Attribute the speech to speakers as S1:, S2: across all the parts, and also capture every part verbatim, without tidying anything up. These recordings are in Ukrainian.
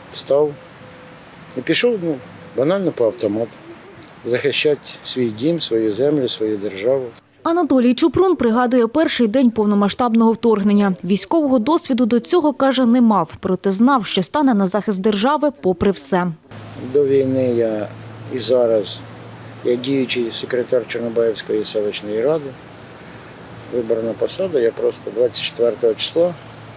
S1: Встав і пішов, ну, банально по автомату. Захищати свій дім, свою землю, свою державу.
S2: Анатолій Чупрун пригадує перший день повномасштабного вторгнення. Військового досвіду до цього, каже, не мав, проте знав, що стане на захист держави попри все.
S1: До війни я і зараз я діючий секретар Чорнобаївської селищної ради. Виборна посада, я просто двадцять четвертого числа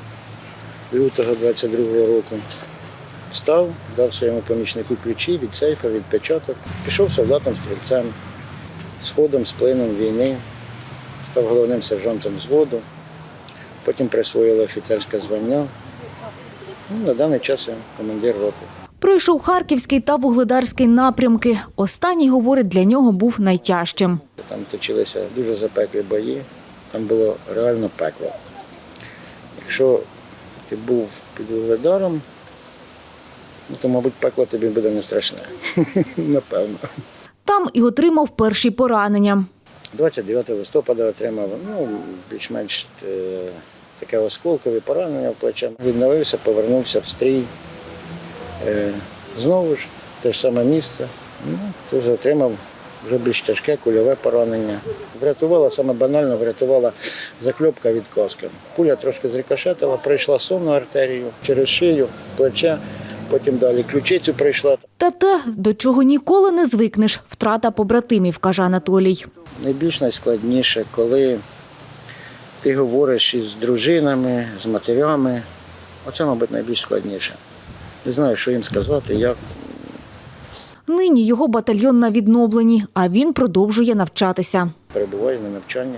S1: лютого двадцять другого року встав, дав своєму помічнику ключі від сейфа, від печаток. Пішов солдатом-стрільцем, з ходом, з плином війни, став головним сержантом взводу, потім присвоїли офіцерське звання. Ну, на даний час я командир роти.
S2: Пройшов Харківський та Вугледарський напрямки. Останній, говорить, для нього був найтяжчим.
S1: Там точилися дуже запеклі бої, там було реально пекло. Якщо ти був під Вугледаром, ну, то, мабуть, пекло тобі буде не страшне, напевно.
S2: Там і отримав перші поранення.
S1: двадцять дев'ятого листопада отримав, ну, більш-менш е, таке осколкове поранення в плече. Відновився, повернувся в стрій. Е, знову ж, те ж саме місце. Ну, теж отримав вже більш тяжке кульове поранення. Врятувала, саме банально врятувала закльопка від каски. Пуля трошки зрикошетила, пройшла сонну артерію через шию, плече, потім далі ключицю прийшла.
S2: Та те, до чого ніколи не звикнеш – втрата побратимів, каже Анатолій.
S1: Найбільш найскладніше, коли ти говориш із дружинами, з матерями. Оце, мабуть, найбільш складніше. Не знаю, що їм сказати, як.
S2: Нині його батальйон на відновленні, а він продовжує навчатися.
S1: Перебуваю на навчанні.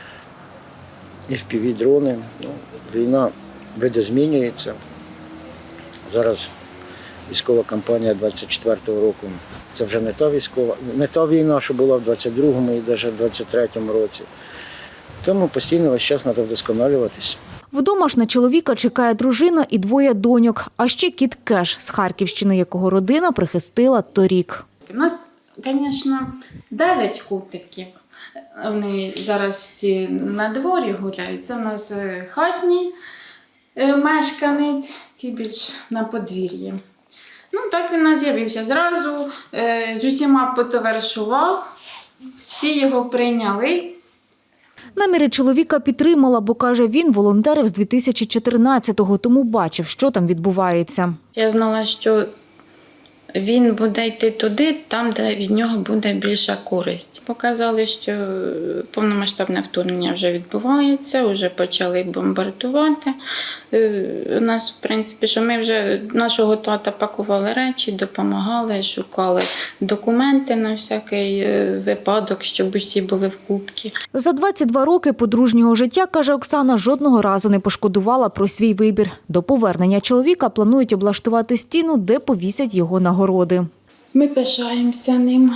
S1: І в пі ві-дрони. Ну, війна видозмінюється. Зараз військова кампанія двадцять четвертого року. Це вже не та військова, не та війна, що була в двадцять другому і навіть в двадцять третьому році. Тому постійно весь час треба вдосконалюватись.
S2: Вдома ж на чоловіка чекає дружина і двоє доньок, а ще кіт Кеш з Харківщини, якого родина прихистила торік.
S3: У нас, звісно, дев'ять котиків. Вони зараз всі на дворі гуляють. Це у нас хатній мешканець, ті більш на подвір'ї. Ну, так він у нас з'явився. Зразу з усіма потоваришував, всі його прийняли.
S2: Наміри чоловіка підтримала, бо, каже, він волонтерив з дві тисячі чотирнадцятого, тому бачив, що там відбувається.
S3: Я знала, що він буде йти туди, там, де від нього буде більша користь. Показали, що повномасштабне вторгнення вже відбувається, вже почали бомбардувати. У нас, в принципі, що ми вже нашого тата пакували речі, допомагали, шукали документи на всякий випадок, щоб усі були в кубці.
S2: За двадцять два роки подружнього життя, каже Оксана, жодного разу не пошкодувала про свій вибір. До повернення чоловіка планують облаштувати стіну, де повісять його нагороди.
S3: Ми пишаємося ним.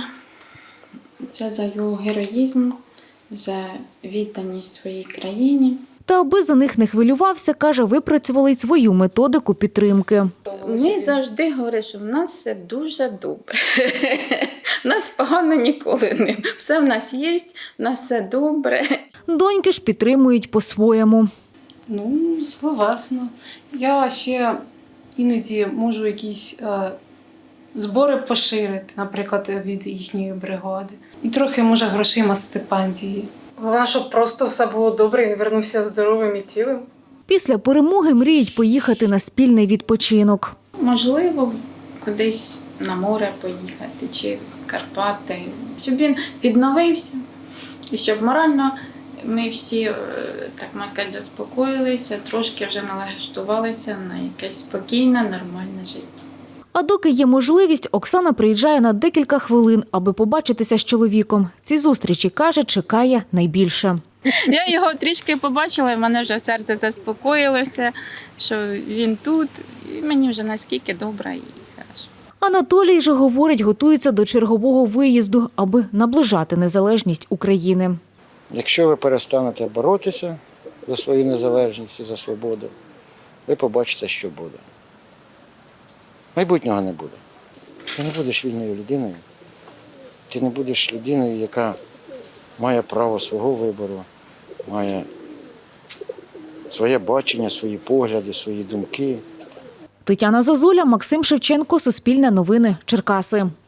S3: Це за його героїзм, за відданість своїй країні.
S2: Та аби за них не хвилювався, каже, випрацювали й свою методику підтримки.
S3: Ми завжди говоримо, що в нас все дуже добре. В нас погано ніколи не. Все в нас є, в нас все добре.
S2: Доньки ж підтримують по-своєму.
S4: Ну, словесно. Я ще іноді можу якісь е, збори поширити, наприклад, від їхньої бригади. І трохи, може, грошима стипендії. Головне, щоб просто все було добре, і він вернувся здоровим і цілим.
S2: Після перемоги мріють поїхати на спільний відпочинок.
S3: Можливо, кудись на море поїхати, чи в Карпати. Щоб він відновився, і щоб морально ми всі, так можна сказати, заспокоїлися, трошки вже налаштувалися на якесь спокійне, нормальне життя.
S2: А доки є можливість, Оксана приїжджає на декілька хвилин, аби побачитися з чоловіком. Ці зустрічі, каже, чекає найбільше.
S3: Я його трішки побачила, і в мене вже серце заспокоїлося, що він тут, і мені вже наскільки добре і хорошо.
S2: Анатолій же, говорить, готується до чергового виїзду, аби наближати незалежність України.
S1: Якщо ви перестанете боротися за свою незалежність і за свободу, ви побачите, що буде. Майбутнього не буде. Ти не будеш вільною людиною. Ти не будеш людиною, яка має право свого вибору, має своє бачення, свої погляди, свої думки.
S2: Тетяна Зозуля, Максим Шевченко, Суспільне новини, Черкаси.